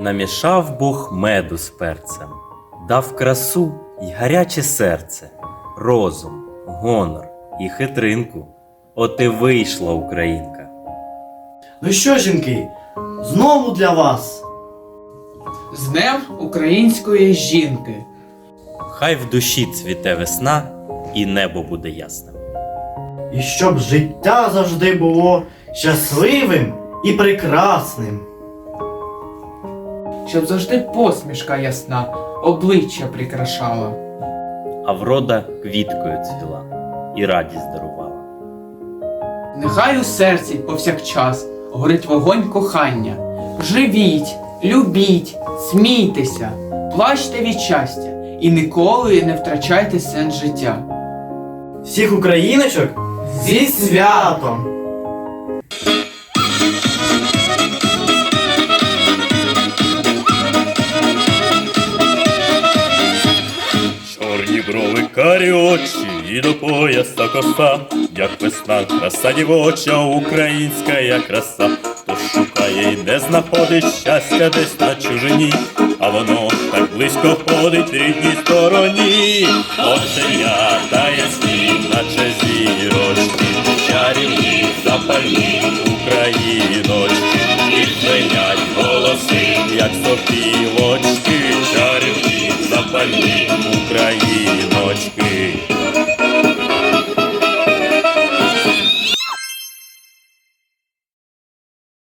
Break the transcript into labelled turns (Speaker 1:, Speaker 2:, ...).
Speaker 1: Намішав Бог меду з перцем, дав красу й гаряче серце, розум, гонор і хитринку. От і вийшла українка.
Speaker 2: Ну що, жінки, знову для вас.
Speaker 3: З Днем української жінки.
Speaker 1: Хай в душі цвіте весна і небо буде ясним.
Speaker 2: І щоб життя завжди було щасливим і прекрасним.
Speaker 3: Щоб завжди посмішка ясна обличчя прикрашала.
Speaker 1: А врода квіткою цвіла і радість дарувала.
Speaker 3: Нехай у серці повсякчас горить вогонь кохання. Живіть, любіть, смійтеся, плачте від щастя і ніколи не втрачайте сенс життя.
Speaker 2: Всіх україночок зі святом!
Speaker 4: Чорні брови, карі очі і до пояса коса, як весна, краса дівоча, українська як краса. Хто шукає й не знаходить щастя десь на чужині, а воно так близько ходить рідній стороні. Оченята та ясні, наче зірочки, чарівні, запальні україночки, і звенять голоси, як сопілочки, чарівні, запальні україночки.